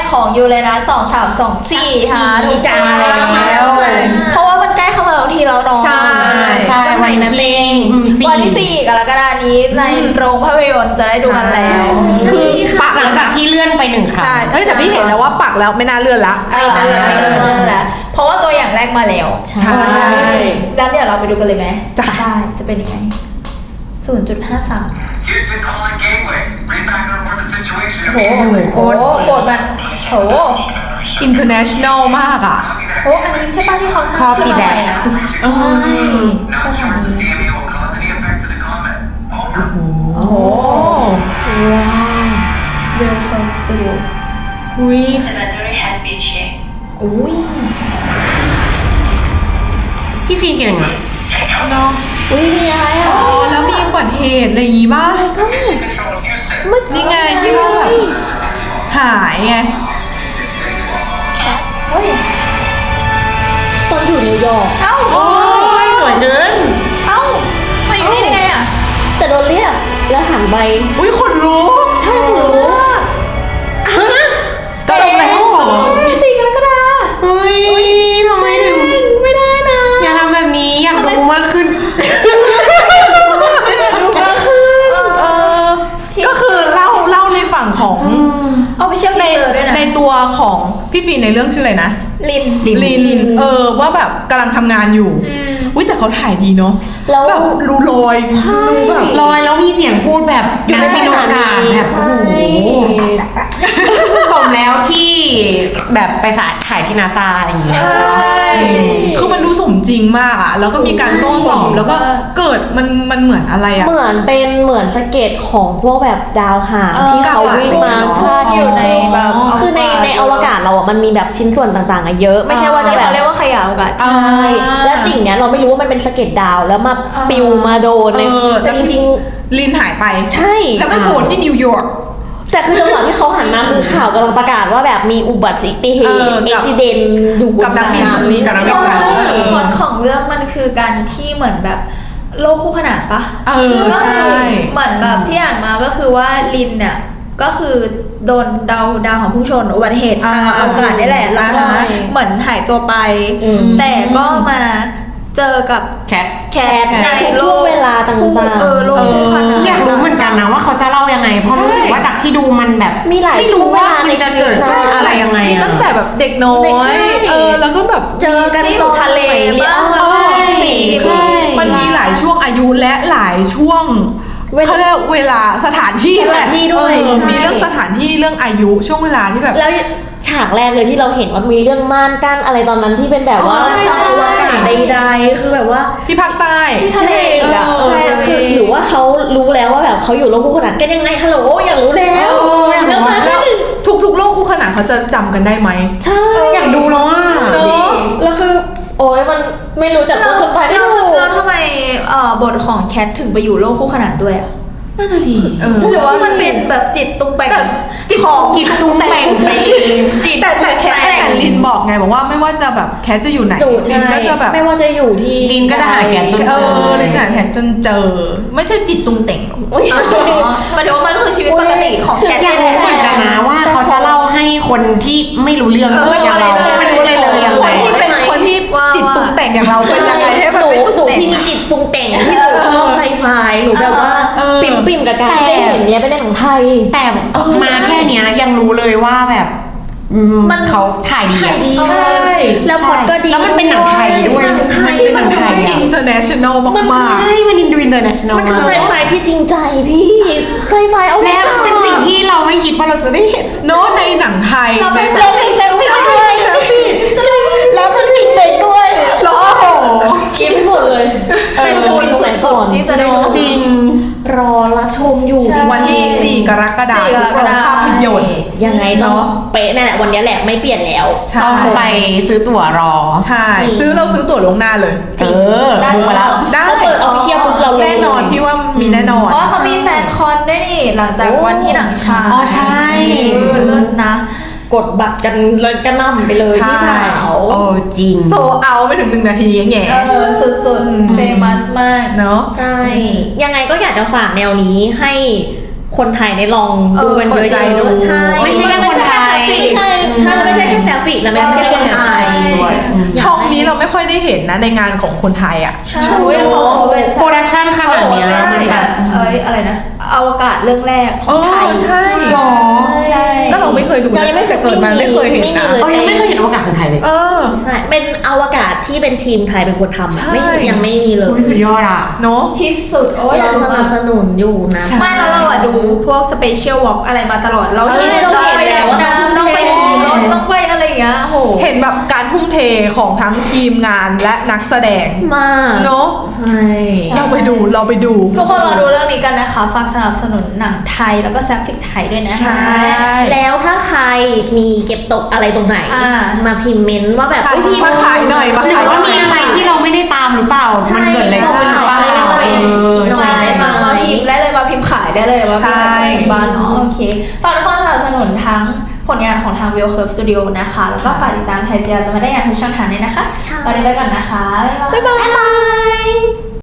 ของยูเรนัส2324ค่ะถูกจ้ามาแล้ว เพราะว่ามันใกล้เข้ามาทุกทีแล้วเนาะใช่วันไหนนั่นเองวันที่4กรกฎาคมนี้ในโรงภาพยนตร์จะได้ดูกันแล้วคือปักหลังจากที่เลื่อนไป1 ครั้งใช่แต่พี่เห็นแล้วว่าปักแล้วไม่น่าเลื่อนละไม่เลื่อนแล้วเพราะว่าตัวอย่างแรกมาแล้วใช่แล้วเดี๋ยวเราไปดูกันเลยไหมจ้ะได้จะเป็นยังไง 0.53 Houston calling Gateway. Read back and report the situation. โอ้โหโคตรโกรธมันโห international มากอ่ะโอ้อันนี้ใช่ป่ะที่เขาสร้างขึ้นมาใหม่นะใช่ส Not ถา sure นี if the CME will cause any effect to the comment. Over. โอ้โหว้าว Welcome Studio อุ้ย Cemetery had been changed. อุ้ยพี่ฟีนเก่งอ่ะเนาะอุ้ยมีอะไรอ่ะอ๋อแล้วมีอุบัติเหตุอะไรอย่างงี้บ้างก็ Mission control Houston. เมื่อนี่ไงที่ว่าแบบหายไงเฮ้ยตอนอยู่นิวยอร์กเอ้าโอ้ยสวยเกินเอ้ามาอยู่นี่ได้ไงอ่ะแต่โดนเรียกแล้วหันไปอุ้ยขนลุกใช่คุณรู้ฮะจบแล้วเหรอ 4 กรกฎาคมเฮ้ยทำไมถึงไม่ได้นะอย่าทำแบบนี้อยากดูมากขึ้นดูก็คือก็คือเล่าในฝั่งของเอาไปเชื่อมในเจอด้วยนะในตัวของพี่ฟีนในเรื่องชื่ออะไรนะลินลินว่าแบบกำลังทำงานอยู่อุ้ยแต่เขาถ่ายดีเนาะแล้วแบบรูลอยรูแบบลอยแล้วมีเสียงพูดแบบนักบินอวกาศแบบโอ้โหสมแล้วที่แบบไปถ่ายที่นาซาอะไรอย่างเงี้ยใช่คือมันดูสมจริงมากอ่ะแล้วก็มีการโต้ตอบแล้วก็เกิดมันเหมือนอะไรอ่ะเหมือนสเก็ตของพวกแบบดาวหางที่เขาวิ่งมาใช่อยู่ในแบบคือในอวกาศเราอ่ะมันมีแบบชิ้นส่วนต่างๆอะเยอะ ไม่ใช่ว่าจะที่แบเขาบเรียกว่าขยะอวกาศใช่และสิ่งเนี้ยเราไม่รู้ว่ามันเป็นสะเก็ตดาวแล้วมาปิวมาโดนเลยแต่จริงลินหายไปๆใช่แล้วไปโผล่ที่นิวยอร์กแต่คือจังหวะที่เขาหันมาคือข่าวกำลังประกาศว่าแบบมีอุบัติเหตุกับอุบิเหตุอยู่บนกับนักบินคนนี้กับนักบินพล็อตของเรื่องมันคือการที่เหมือนแบบโลกคู่ขนานปะ ก็ใช่คือเหมือนแบบที่อ่านมาก็คือว่าลินเนี่ยก็คือโดนดาวของพุ่งชนอุบัติเหตุทางอวกาศนี่แหละแล้วก็เหมือนหายตัวไป แต่ก็มาเจอกับแคทแคทในในโลช่วงกเวลาต่างๆโลกคู่ขนานอยากรู้เหมือนกันนะว่าเขาจะเล่ายังไงเพราะรู้สึกว่าจากที่ดูมันแบบมีหลายไม่รู้ว่ามันจะเกิดช่วงเวลาในชีวิตอะไรยังไงมีอะตั้งแต่แบบเด็กน้อเด็กยใช่แล้วก็แบบเจอกันที่อยู่ทะเลบ้างแล้วก็ใช่มันมีหลายช่วงอายุและหลายช่วงเขาเรียกเวลาสถานที่ด้วยสถานที่ด้วยมีเรื่องสถานที่เรื่องอายุช่วงเวลาที่แบบแล้วฉากแรกเลยที่เราเห็นว่ามีเรื่องม่านกั้นอะไรตอนนั้นที่เป็นแบบว่าใช่ชาวอวกาศใดๆคือแบบว่าที่ภาคใต้ทะเลอีกอะใช่คือหรือว่าเขารู้แล้วว่าแบบเขาอยู่โลกคู่ขนานกันยังไงฮัลโหลอยากรู้แล้วแล้วมาแล้วทุกโลกคู่ขนานเขาจะจำกันได้ไหมใช่อยากดูแล้วอ่ะเนอะแล้วคือโอ้ยมันไม่รู้จักต้นจนปลายไม่ถูกแล้วทำไมบทของแคทถึงไปอยู่โลกคู่ขนานด้วยอ่ะนั่นน่ะดิหรือว่ามันเป็นแบบจิตตุงแปงแต่ของจิตตุ้งแต่งไปเองแต่แคทแต่ลินบอกไงบอกว่าไม่ว่าจะแบบแคทจะอยู่ไหนดูลิใช่นก็จะแบบไม่ว่าจะอยู่ที่ลินก็จะหาแขนจนเจอลินจะหาแคทจนเจอ ไม่ใช่จิตตุงเต่งหรอกอุ๊ยหมายถึงว่ามันคือชีวิตปกติของแคทอยากรู้เหมือนกันนะว่าเขาจะเล่าให้คนที่ไม่รู้เรื่องอย่างเราไม่รู้เลยยังคไงนที่เป็นคนที่จิตตุงแต่งอย่างเราเป็นยังไงให้มันหนูไม่ตุงหนูแต่งที่มีจิตปรุงแต่งที่หนูชอบไซไฟหนูแบบว่า ปิ่มกับการที่ได้เห็นเนี้ยเป็นในของไทยแต่มาแค่เนี้ยยังรู้เลยว่าแบบมันเขาถ่ายดีถ่ายดีใช่แล้วพอดก็ดีแล้วมันเป็นหนังไทยด้วยหนังไทยมันเป็นหนังไทยอะ international มากใช่มันอินดูอินเตอร์เนชั่นแนลมันคือไซไฟที่จริงใจพี่ไซไฟเอาแล้วเป็นสิ่งที่เราไม่คิดว่าเราจะได้เห็นๆเนอะในหนังไทยเราไปในเซลฟี่เซลฟี่แล้วมันผิดเด็กด้วยโอ้โหคิดไม่หมดเลยเป็นบุญสุดๆที่จะได้ดูจริงรอรับชมอยู่วันที่ 4 กรกฎาคม 4 กรกฎาคมภาพยนตร์ยังไงเนาะเป๊ะนั่นแหละวันนี้แหละไม่เปลี่ยนแล้วใช่ต้องไปซื้อตั๋วรอใช่ซื้อตั๋วลวงหน้าเลยบุกมาแล้วได้เขาเปิด official ปุ๊บเราเลยแน่นอนพี่ว่ามีแน่นอนเพราะว่าเขามีแฟนคอนด้วยนี่หลังจากวันที่หนังฉายอ๋อใช่เลิศนะกดบัตรกันเลยกระหน่ำไปเลยใช่พี่สาวโอ้จริงโซเอาไปถึง1 นาทีแง่สุดๆเฟมัสมากเนาะใช่ ยังไงก็อยากจะฝากแนวนี้ให้คนไทยได้ลองดูกันเปิเยดใจดูอะๆใช่ไม่ใช่แค่คนไทยไม่ใช่แค่ selfie ไม่ใช่ฟิกแล้วไม่ใช่คนไทยด้วยอืมช่องนี้เราไม่ค่อยได้เห็นนะในงานของคนไทยอ่ะใช่เขาเป็นโปรดักชั่นขนาดเนี้ยใช่มันแบบอะไรนะอวกาศเรื่องแรกของไทยใช่หรอใช่ก็เราไม่เคยดูนะยังไม่แต่เกิดมาไม่เคยเห็นไม่มีนะเลยเรายังไม่เคยเห็นอวกาศของไทยเลยเออใช่เป็นอวกาศที่เป็นทีมไทยเป็นคนทำอะใช่ไม่ยังไม่มีเลยอุ๊ยสุดยอดอ่ะเนาะที่สุดโอ้ยเราสนับสนุนอยู่นะใช่ไม่แล้วเราอะดูพวกสเปเชียลวอล์กอะไรมาตลอดเราใช่เห็นเราเห็นแล้วว่าต้องไปขี่รถต้องไปอะไรอย่างเงี้ยโหเห็นแบบการทุ่มเทของทั้งทีมงานและนักแสดงมากเนาะใช่เราไปดูทุกคนรอดูเรื่องนี้กันนะคะฝากสนับสนุนหนังไทยแล้วก็แซฟฟิกไทยด้วยนะคะใช่แล้วถ้าใครมีเก็บตกอะไรตรงไหนอ่ามาพิมพ์เมนต์ว่าแบบใช่เอ้ยพิมพ์มาขายหน่อยมาหรือว่ามีอะไรที่เราไม่ได้ตามหรือเปล่า มันเกิดอะไรขึ้นหรือเปล่าใช่ใช่มาพิมพ์ได้เลยมาพิมพ์ขายได้เลยว่าใช่เป็นบ้านเนาะโอเคฝากทุกคนสนับสนุนทั้งผลงานของทาง Wheel Curve Studio นะคะ แล้วก็ฝากติดตามไทยเจียจะมาได้งานทุกช่องทางเลยนะคะวันนี้ไปก่อนนะคะ บ๊ายบาย